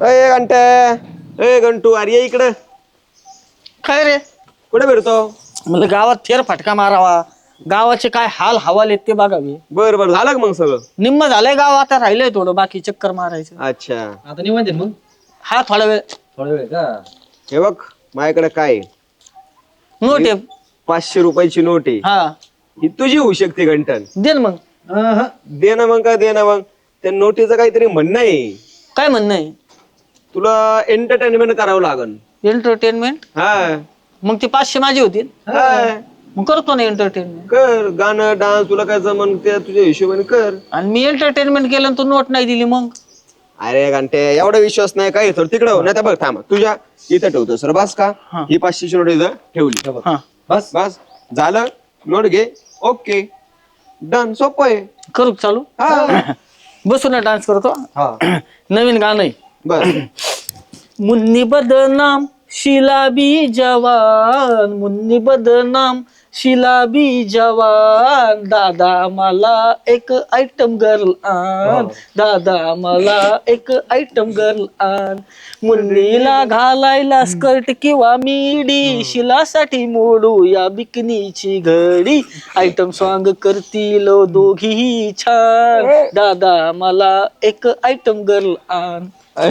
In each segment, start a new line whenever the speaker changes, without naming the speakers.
अय घंटे, ए घंटू, अरे ये इकडं.
काय रे?
कुठे फिरतो?
मला गावात फेर फटका मारावा. गावाचे काय हाल हवाल आहेत ते बघावे.
बर बर, झालं का मग सगळं?
निम्म झालंय गाव, आता राहिलंय थोडं बाकी चक्कर मारायचं.
अच्छा,
आता निवांत आहे मग.
हा थोडा वेळ.
थोडा वेळ का?
हे बघ माझ्याकडे काय आहे?
नोट आहे.
500 रुपयाची नोट आहे.
हा
ही तुझी होऊ शकते घंटन.
दे ना मग.
दे ना मग, का दे ना मग. त्या नोटीचं काहीतरी म्हणणं आहे.
काय म्हणणं आहे?
तुला एंटरटेनमेंट करावं लागल.
एंटरटेनमेंट?
हा
मग ते 500 माझे होतील.
हा.
मग करतो ना एंटरटेनमेंट.
कर गाणं डान्स, तुला काय जमन ते तुझ्या हिशोबाने कर.
आणि मी एंटरटेनमेंट केलं आणि तू नोट नाही दिली मग?
अरे घंटे, एवढा विश्वास नाही काय तर तिकडे हो. नाही तर बघ थांब, तुझ्या इथं ठेवतो सर. बस का
हा.
ही 500ची नोट इथं ठेवली.
हा
बस बस झालं. नोट घे. Okay done. सोपं आहे.
करू का चालू?
हा
बसून डान्स करतो. नवीन गाणं आहे.
बस.
मुन्नी बदनाम शिलाबी जवान, मुन्नी बदनाम शिलाबी जवान, दादा मला एक आयटम गर्ल आण, दादा मला एक आयटम गर्ल आण, मुन्नीला घालायला स्कर्ट किंवा मिडी, शिलासाठी मोडू या बिकनीची घडी, आयटम सॉंग करतील दोघीही छान, दादा मला एक आयटम गर्ल आण.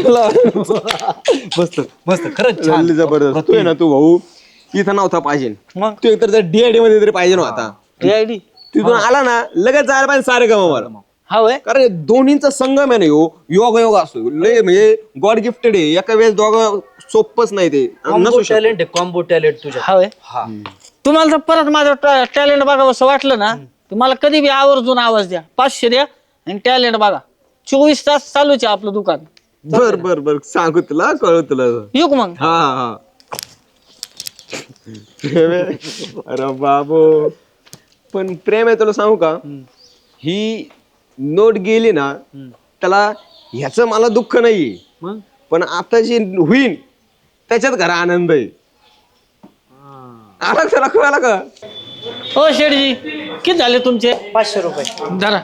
मस्त मस्त, खरंच छान.
जबरदस्त. तू आहे ना, तू भाऊ इथं नव्हता पाहिजे.
मग
तू एकतर त्या DID मध्ये तरी पाहिजे नव्हता.
DID
तिथून आला ना लगेच जायला पाहिजे सारे गमावर.
हा होय.
कारण हे दोन्हींचा संगम आहे ना, योग योग असतो लय, म्हणजे गॉड गिफ्टेड आहे. एका वेळेस दोघं सोपच नाही ते. नसू शकत.
टॅलेंट आहे, कॉम्बो टॅलेंट तुझ्या.
हा होय. तुम्हाला जर परत माझं टॅलेंट बघावं असं वाटलं ना, तुम्हाला कधी बी आवर्जून आवाज द्या. 500 द्या आणि टॅलेंट बघा. 24 तास चालूच आहे आपलं दुकान.
बर बर बर, सांगू तुला, कळू तुला.
येऊ का मग?
हा हा. अरे बाबू, पण प्रेम आहे तुला सांगू का, ही नोट गेली ना त्याला ह्याचं मला दुःख नाहीये,
मग
पण आता जी होईन त्याच्यात घरा आनंद आहे. आला त्याला कळाला का?
हो शेठजी, किती झाले तुमचे?
500 रुपये.
जरा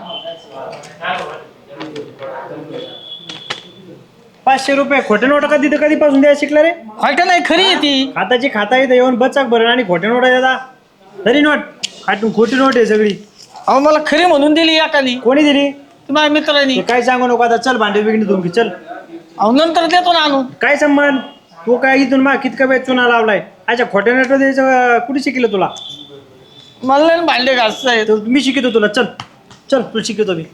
500 रुपये खोटे नोटा कधीपासून द्यायला शिकला रे?
खोटं नाही, खरी आहे ती.
खाताची खाता येतं येऊन बचाक भरण आणि खोटे नोटा देता तरी नोट खाटून खोटी नोट आहे सगळी.
अहो मला खरी म्हणून दिली एकानी,
कोणी दिली?
माझ्या मित्रांनी.
ते काय सांगू नको आता. चल भांडे बिगडी धुवून घे, चल.
अहो नंतर देतो ना आणून.
काय संबंध? तू काय इथून मा कितका वेळ चुना लावलाय? अच्छा, खोटे नोट द्यायचं कुठे शिकलं तुला?
मला नाही भांडे घासायचे.
तर मी शिकवतो तुला. चल चल, तू शिकवतो मी.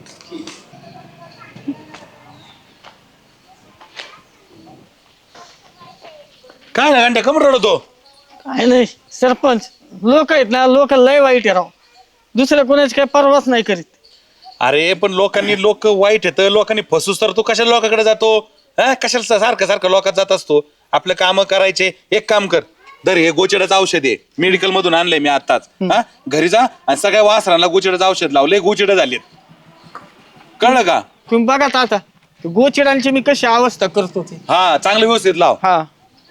काय ना घंटे कमर रडतो?
काय नाही सरपंच, लोक आहेत ना, लोक लय वाईट आहे राव. दुसऱ्या कोणाची काही परवाच नाही करीत.
अरे पण लोक वाईट येतं, लोकांनी फसूस तर तू कशाला लोकांकडे जातो? हा, कशाला सारखं सारखं लोकात जात असतो? आपलं काम करायचे. एक काम कर, दर हे गोचेडाचं औषध आहे, मेडिकल मधून आणलंय मी आताच. हा, घरी जा आणि सगळ्या वासरांना गोचेडाचं औषध लावलंय. गोचेडं झालेत, कळलं का?
तुम्ही बघा आता गोचिडांची मी कशी अवस्था करतो ते.
हा, चांगलं व्यवस्थित लाव.
हा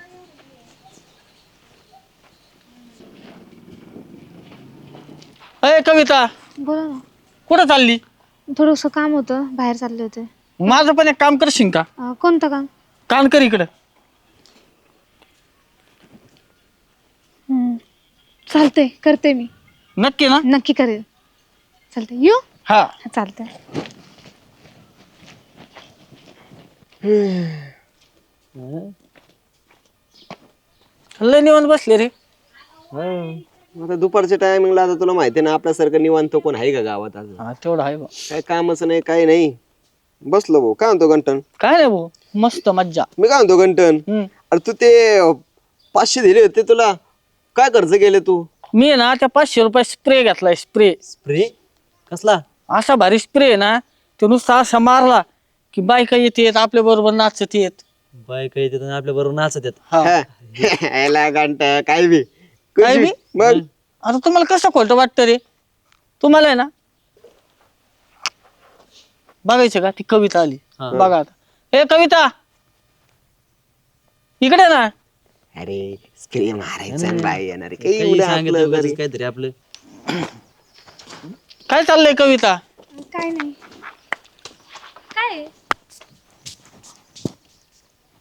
अय कविता,
बोला ना.
कुठं चालली?
थोडंसं काम होतं, बाहेर चालले होते.
माझं पण एक काम करशील का?
कोणतं काम?
कान कर इकडं.
चालतंय, करते मी.
नक्की ना?
नक्की करेल. चालतंय, येऊ?
हा.
चालतंय.
लय निवांत बसले रे.
आता दुपारच्या टायमिंगला आता तुला माहिती ना आपल्यासारखं निवांत कोण आहे का गावात? अजून
हा तेवढं आहे बा.
काय कामच नाही, काही नाही, बसलो भाऊ. काय म्हणतो घंटन?
काय नाही भाऊ, मस्त मज्जा.
मी काय म्हणतो घंटन, अरे तू ते 500 दिले होते, तुला काय खर्च केले तू?
मी ना त्या 500 रुपये स्प्रे घेतलाय. स्प्रे
स्प्रे कसला?
असा भारी स्प्रे आहे ना, तो नुसता असा मारला की बायका येते आपल्या बरोबर नाचत येत.
बायका येतात आणि आपल्या बरोबर नाचत येत.
याला घंटा काय बी
काय बी?
मग
आता तुम्हाला कसं खोटं वाटतं रे? तुम्हाला आहे ना बघायचं का? ती कविता आली बघा आता. हे कविता इकडे ना.
अरे स्प्रे मारायचा बाई येणार
काही सांगितलं उगाचच काहीतरी आपलं.
काय चाललंय कविता?
काय नाही. काय?